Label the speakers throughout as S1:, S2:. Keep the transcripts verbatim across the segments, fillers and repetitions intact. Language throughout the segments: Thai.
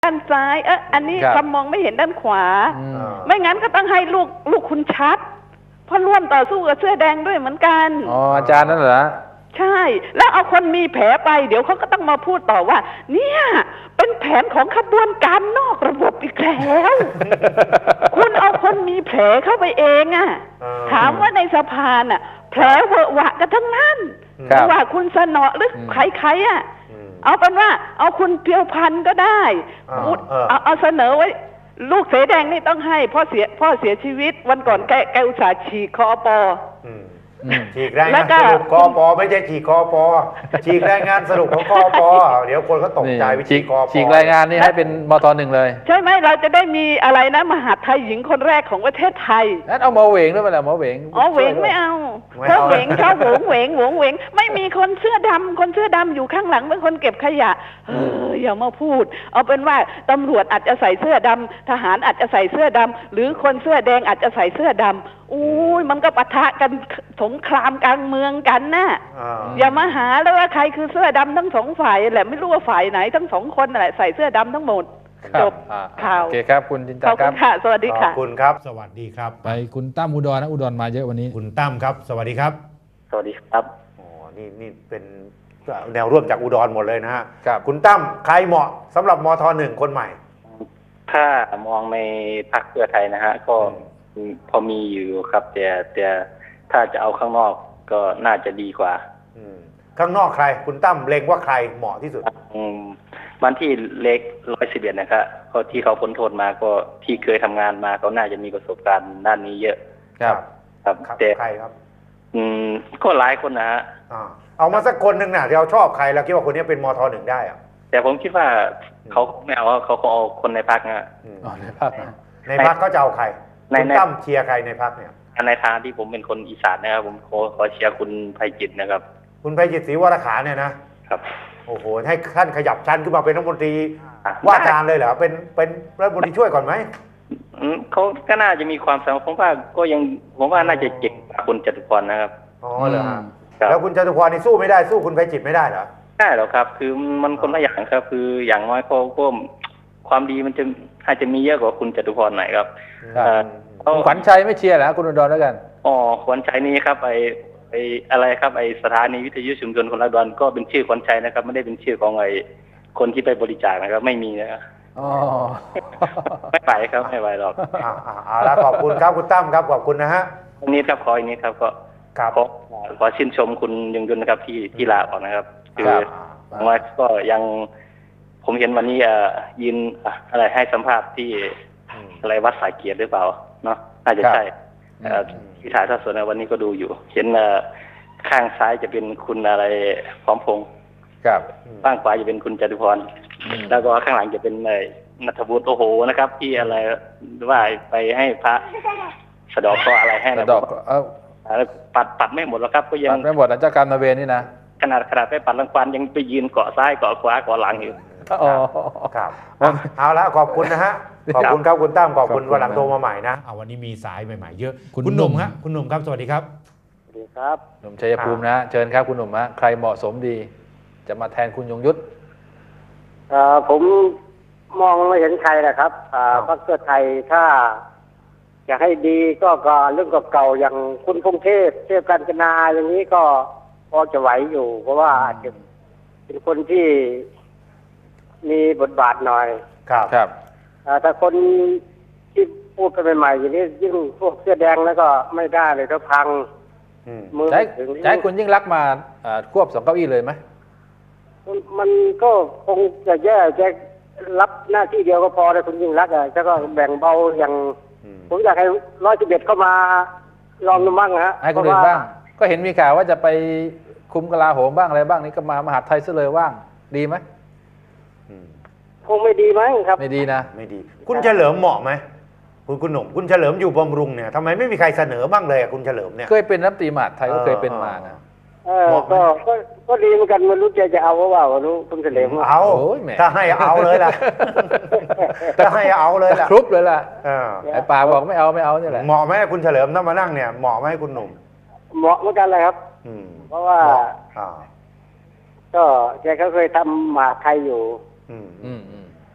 S1: ด้านซ้ายเอออันนี้คำมองไม่เห็นด้านขวาไม่งั้นก็ต้องให้ลูกลูกคุณชัดเพราะร่วมต่อสู้กับเสื้อแดงด้วยเหมือนกัน
S2: อ๋ออาจารย์นั่นเหรอ
S1: ใช่แล้วเอาคนมีแผลไปเดี๋ยวเขาก็ต้องมาพูดต่อว่าเนี่ยเป็นแผนของขบวนการนอกระบบอีกแล้วคุณเอาคนมีแผลเข้าไปเองอะถามว่าในสภาน่ะแผลเวอะหวะกันทั้งนั้นไม่ว่าคุณสนอหรือใครๆอ่ะเอาเป็นว่าเอาคุณเพียวพันธุ์ก็ได้เอาเอาเสนอไว้ลูกเสแดงนี่ต้องให้พ่อเสียพ่อเสียชีวิตวันก่อนแกแกอุตส่าห์ฉีกคอปอ
S3: ฉีกรายงานสรุปคอปอไม่ใช่ฉีกคอปอฉีกรายงานสรุปของคอปอเดี๋ยวคนเขาตกใจวิฉีกคอปอ
S2: ฉีกรายงานนี่ให้เป็นมทหนึ่งเลย
S1: ใช่ไหมเราจะได้มีอะไรนะมหาไทยหญิงคนแรกของประเทศไทย
S2: นั่นเอาหมอเหวงด้วยไหมล่ะหมอเหวง
S1: อ๋อเหวงไม่เอาเพราะเหวงชอบหวงเหวงหวงเหวงไม่มีคนเสื้อดำคนเสื้อดำอยู่ข้างหลังเป็นคนเก็บขยะเอออย่ามาพูดเอาเป็นว่าตำรวจอาจจะใส่เสื้อดำทหารอาจจะใส่เสื้อดำหรือคนเสื้อแดงอาจจะใส่เสื้อดำอุ้ยมันก็ปะทะกันสงครามกลางเมืองกันนะอย่ามาหาแล้วว่าใครคือเสื้อดำทั้งสองฝ่ายแหละไม่รู้ว่าฝ่ายไหนทั้งสองคนแหละใส่เสื้อดำทั้งหมดจบข่าว
S2: โอเคครับคุณจินตาครับ
S1: ค่ะสวัสดีค่ะ
S3: ขอบคุณครับสวัสดีครับ
S2: ไปคุณตั้มอุดรนะอุดรมาเยอะวันนี้
S3: คุณตั้มครับสวัสดีครับ
S4: สวัสดีครับ
S3: อ๋อนี่นี่เป็นแนวร่วมจากอุดรหมดเลยนะฮะ
S2: ครับ
S3: คุณตั้มใครเหมาะสำหรับมทหนึ่งคนใหม่
S4: ถ้ามองในพรรคเพื่อไทยนะฮะก็พอมีอยู่ครับแต่แต่ถ้าจะเอาข้างนอกก็น่าจะดีกว่า
S3: ข้างนอกใครคุณตั้มเล็งว่าใครเหมาะที่สุด
S4: วันที่เล็กร้อยสิบเอ็ดนะครับก็ที่เขาพ้นโทษมาก็ที่เคยทำงานมาเขาน่าจะมีประสบการณ์ด้านนี้เยอะ
S3: ครับ
S4: ครับแต่
S3: ใครครับ
S4: อืมก็หลายคนนะฮะ
S3: เอามาสักคนหนึ่งนะที่เราชอบใครแล้วคิดว่าคนนี้เป็นมทหนึ่งได้อะ
S4: แต่ผมคิดว่าเขาไม่เอาเขาเขาเอาคนในพรรคนะ
S2: ในพรรค
S3: ในพรรคเขาจะเอาใครคุณตั้มเชียร์ใครในพรรคเนี่ย
S4: ในทางที่ผมเป็นคนอีสานนะครับผมขอขอเชียร์คุณไพจิตรนะครับ
S3: คุณไพจิตรศรีวรขาเนี่ยนะครับโอ้โหให้ท่านขยับชั้นขึ้นมาเป็นรัฐมนตรีว่าการเลยเหรอเป็นเป็นรัฐมนตรีช่วยก่อนไหม
S4: เขาก็น่าจะมีความสามารถผมว่าก็ยังผมว่าน่าจะเก่งกว่าคุณจตุพรนะครับ
S3: อ๋อเหรอแล้วคุณจตุพรนี่สู้ไม่ได้สู้คุณไพจิตรไม่ได้เหรอ
S4: ได้หรอครับคือมันคนละอย่างครับคืออย่างน้อยเขาก็ความดีมันจะอาจจะมีเยอะกว่าคุณจตุพรหน่อยครับ
S2: ขวัญชัยไม่เชียร์เหรอคุณอุดรแล้วกัน
S4: อ๋อขวัญชัยนี่ครับไอไออะไรครับไอสถานีวิทยุชุมชนคนละดอนก็เป็นชื่อขวัญชัยนะครับไม่ได้เป็นชื่อของไอคนที่ไปบริจาคนะครับไม่มีนะ
S2: อ๋อ
S4: ไม่ไปครับไม่ไปหรอก
S3: อ่าอ่าแล้วขอบคุณครับคุณตั้มครับขอบคุณนะฮะ
S4: อันนี้ครับขออันนี้ครับก็ขอขอชื่นชมคุณยงยุนนะครับที่ที่ลาออกนะครับคือว่าก็ยังผมเห็นวันนี้ยืนอะไรให้สัมภาษณ์ที่อะไรวัดสายเกียรติหรือเปล่าเนาะน่าจะใช่ที่ถ่ายทอดสดในวันนี้ก็ดูอยู่เห็นข้างซ้ายจะเป็นคุณอะไรพร้อมพงษ์ข้างขวาจะเป็นคุณจตุพรแล้วก็ข้างหลังจะเป็นนัทวุฒิโอโหนะครับที่อะไรว่าไปให้พระสะดอกก็อะไรให้
S2: สะดอก
S4: ปัดปัดไม่หมดแล้วครับก็ยัง
S2: ปัดไม่หมดนะเจ้ากรรมนายเวรนี่นะ
S4: ขนาดขนาดไปปัดรังควานยังไปยืนเกาะซ้ายเกาะขวาเกาะหลังอยู่
S2: อ๋อ
S3: ครับเอาละขอบคุณนะฮะขอบคุณครับคุณตั้มขอบคุณวันหลังโทรมาใหม่นะเอาวันนี้มีสายใหม่ๆเยอะคุณหนุ่มฮะคุณหนุ่มครับสวัสดีครับ
S4: สวัสดีครับ
S2: หนุ่มชัยภูมินะเชิญครับคุณหนุ่มฮะใครเหมาะสมดีจะมาแทนคุณยงยุทธ
S5: ผมมองไม่เห็นใครนะครับพรรคเพื่อไทยถ้าจะให้ดีก็ก็เรื่องเก่าๆอย่างคุณพงเทพเทพกาญจนาอย่างนี้ก็พอจะไหวอยู่ เพราะว่าอาจจะเป็นคนที่มีบทบาทหน่อย
S3: ครับ
S2: ครับ
S5: แต่คนที่พูดกันใหม่ๆอย่างนี้ยิ่งพวกเสื้อแดงแล้วก็ไม่ได้เลยก็พัง
S2: มือถึงใช้คุณยิ่งรักมาควบสองเก้าอี้เลยไหม
S5: มันก็คงจะแย่จะรับหน้าที่เดียวก็พอเลยคุณยิ่งรักอ่ะแล้วก็แบ่งเบาอย่างผมอยากให้ร้อยสิบเอ็ดเข้ามาลองดูบ้างฮะ
S2: ให้คนอื่นบ้างก็เห็นมีข่าวว่าจะไปคุมกลาโหมบ้างอะไรบ้างนี่ก็มามหาไทยซะเลยว่างดีไหม
S5: คงไม่ดีมั้งครับ
S2: ไม่ดีนะ
S3: ไม่ดีคุณเฉลิมเหมาะไหมคุณคุณหนุ่มคุณเฉลิมอยู่บำรุงเนี่ยทำไมไม่มีใครเสนอบ้างเลยคุณเฉลิมเนี่ย
S2: เคยเป็นรัฐมนตรีมหาดไทยก็เคยเป็นมานะ
S5: เออก็ก็ก็ดีเหมือนกันมันรู้ใจจะเอาว่าว่ารู้คุณเฉลิม
S3: เอาถ้าให้เอาเลยล่ะถ้าให้เอาเลยล่ะ
S2: ครุบเลยล่ะไอ้ป่าบอกไม่เอาไม่เอานี่แหละ
S3: เหมาะไหมคุณเฉลิมถ้ามานั่งเนี่ยเหมาะไหมคุณหนุ่ม
S5: เหมาะเหมือนกันเลยครับเพราะว่าก็แกเขาเคยทำมหาไทยอยู่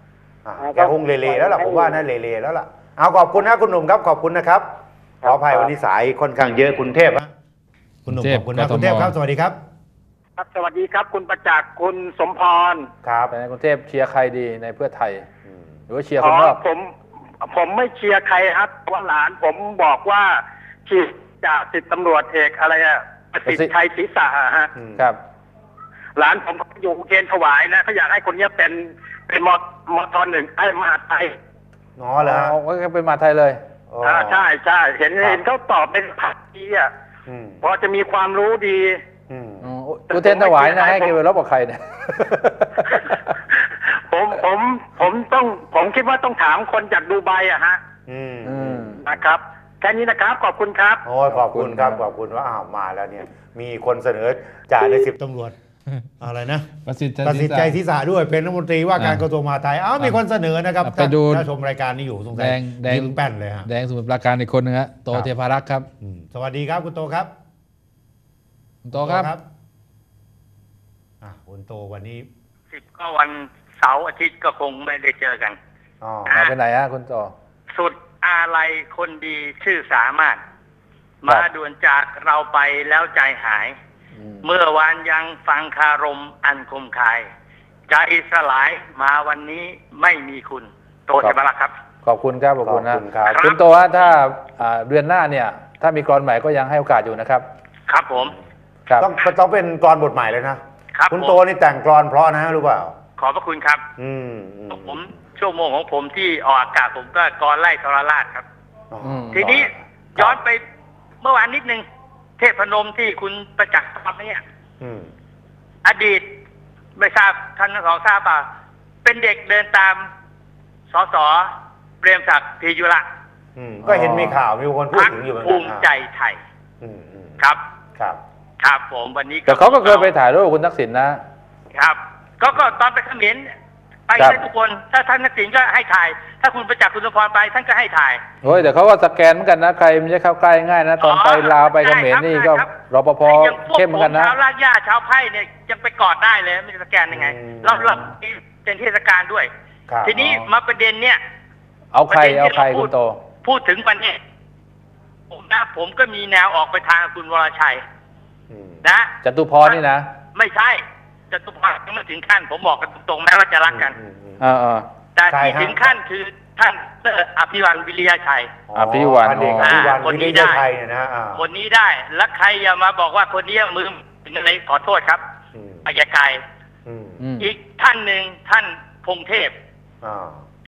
S3: อ่ะแกคงเลๆแล้วล่ะผมว่าน่าเลๆแล้วล่ะเอาขอบคุณนะคุณหนุ่มครับขอบคุณนะครับขออภัยวันนี้สายค่อนข้างเยอะคุณเทพฮะคุณหนุ่มขอบคุณนะคุณเทพครับสวัสดีครับ
S5: ครับสวัสดีครับคุณประจักษ์คุณสมพร
S3: ครับ
S2: ในกรุงเทพเชียร์ใครดีในเพื่อไทยหรือว่าเชียร์คนนอก
S5: ผมผมไม่เชียร์ใครครับว่าหลานผมบอกว่าฉีดจากสิบตำรวจเอกอะไรอะประสิทธิ์ชัยศรีษะฮะ
S2: ครับ
S5: หลานผมอยู่เกณฑ์ถวายนะเขาอยากให้คนนี้เป็นเป็นมมทหนึ่งไอ้มหาไทย
S3: อ๋อเหรอ
S2: ก็เป็นมหาไทยเลย
S5: อ่าใช่ใช่เห็นเห็นเขาตอบเป็นผักดีอ่ะพอจะมีความรู้ดี
S2: อุเทนถวายนะให้เกี่ยวกับรบกับใครเนี่ย
S5: ผมผมผมต้องผมคิดว่าต้องถามคนจากดูไบอะฮะนะครับแค่นี้นะครับขอบคุณครับ
S3: โอ้ขอบคุณครับขอบคุณว่าอ้าวมาแล้วเนี่ยมีคนเสนอจ่าในสิบตำรวจอะไรนะ
S6: ประสิทธิ์
S3: ประสิทธิ์ใจศีรษะด้วยเป็นรัฐมนตรีว่าการกระทรวงมหาดไทยอ้าวมีคนเสนอนะครับ
S6: ไปดู
S3: ถ้าชมรายการนี้อยู่สงสัยยิ้มแป้นเลยฮะ
S6: แดงสมุทรปราการอีกคนนึงฮะโตเทพารักษ์ครับ
S3: สวัสดีครับคุณโตครับ
S6: คุณโตครับ
S3: อ่ะคุณโตวันนี้
S5: สิบก็วันเสาร์อาทิตย์ก็คงไม่ได้เจอกัน
S2: อ๋อมาไปไหนฮะคุณโต
S5: สุดอะไรคนดีชื่อสามารถมาด่วนจากเราไปแล้วใจหายเมื่อวานยังฟังคารมอันคมคายใจสลายมาวันนี้ไม่มีคุณโตเทพารักษ์ครับ
S2: ขอบคุณครับขอบคุณนะคุณโตฮะถ้าเดือนหน้าเนี่ยถ้ามีกรอนใหม่ก็ยังให้โอกาสอยู่นะครับ
S5: ครับผม
S3: ต้องต้องเป็นกรบทใหม่เลยนะครับคุณโตนี่แต่งกรเพราะนะรู้เปล่า
S5: ขอบพระคุณครับอืมผมชั่วโมงของผมที่ออกอากาศผมก็กรไล่ทรราชครับทีนี้ย้อนไปเมื่อวานนิดนึงเทพนมที่คุณประจักษ์ทำเนี่ยอดีตไม่ทราบท่านทั้งสองทราบป่ะเป็นเด็กเดินตามสสเปรมศักดิ์พียุระ
S3: ก็เห็นมีข่าวมีคนพูดถึงอยู่เหมือนกัน
S5: ภูมิใจไทยครับ
S3: ครับ
S5: ครับผมวันนี้
S2: แต่เขาก็เคยไปถ่ายรูปคุณทักษิณ
S5: นะครับก็ก็ตอนไปเขมรไปได้ทุกคนถ้าท่านทักษิณก็ให้ถ่ายถ้าคุณประจักษ์คุณสมพรไปท่านก็ให้ถ่าย
S2: โอ้ยแต่เขาก็สแกนเหมือนกันนะใครไม่ใช่เข้าใกล้ง่ายนะตอนไปลาวไปเขมรนี่ก็รปภเข้มเหมือนกันนะ
S5: ชาวลาดย่าชาวไผ่เนี่ยยังไปกอดได้เลยไม่สแกนยังไงเราเราเป็นเทศกาลด้วยทีนี้มาประเด็นเนี่ย
S2: เอาใครเอาใครคุณโต
S5: พูดถึงประเด็นผมนะผมก็มีแนวออกไปทางคุณวรชัยนะ
S2: จตุพรนี่นะ
S5: ไม่ใช่จตุพรยังไม่ถึงขั้นผมบอกกันตรงๆแม้ว่าจะรักกันแต่ที่ถึงขั้นคือท่านอภิวันวิริยชัย
S2: อภิวัน
S5: คนนี้ได้คนนี้ได้แล้วใครอย่ามาบอกว่าคนนี้มือเป็นอะไรขอโทษครับอายการอีกท่านหนึ่งท่านพงเทพ